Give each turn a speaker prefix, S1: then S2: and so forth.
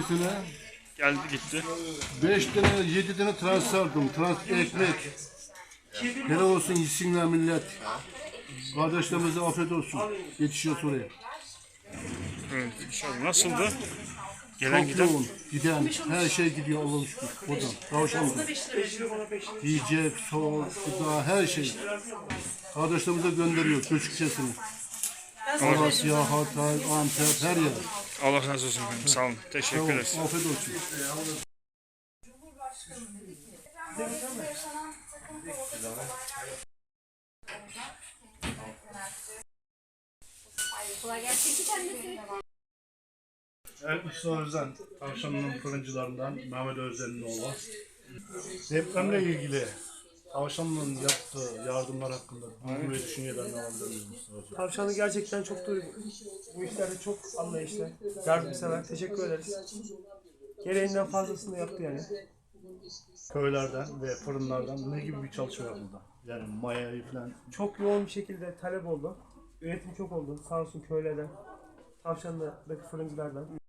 S1: tane,
S2: Geldi gitti.
S1: 5 tane, 7 tane transferdim. Ekmek. Helal olsun yesinler millet. Kardeşlerimize afiyet olsun. Yetişiyor oraya.
S2: Evet inşallah. Nasıldı? Gelen
S1: Çok
S2: giden.
S1: yoğun. Giden. Her şey gidiyor Allah'a şükür. Buradan. Tavşan'dan. Yiyecek, soğuk, gıda, her şey. Kardeşlerimize gönderiyor. Göçükçesini. Amasya, Hatay, Antep, her yer.
S2: Allah razı olsun efendim. Sağ olun. Teşekkür
S1: Tamam,
S2: ederiz.
S1: afiyet olsun.
S3: Kolay gelsin. Kendisi.
S1: Evet, Mustafa Özen, Tavşanlı'nın fırıncılarından Mehmet Özen'in oğlu. Depremle ilgili Tavşanlı'nın yaptığı yardımlar hakkında duygu ve düşüncelerini alabilir miyiz Mustafa Özen?
S4: Tavşanlı gerçekten çok bu işlerde çok anlayışlı, yardımsever. Teşekkür ederiz. Gereğinden fazlasını yaptı yani.
S1: Köylerden ve fırınlardan ne gibi bir çalışma yapıldı? Yani mayayı falan.
S4: Çok yoğun bir şekilde talep oldu. Üretim çok oldu. Sağ olsun köylerden, Tavşanlı'daki fırıncılardan.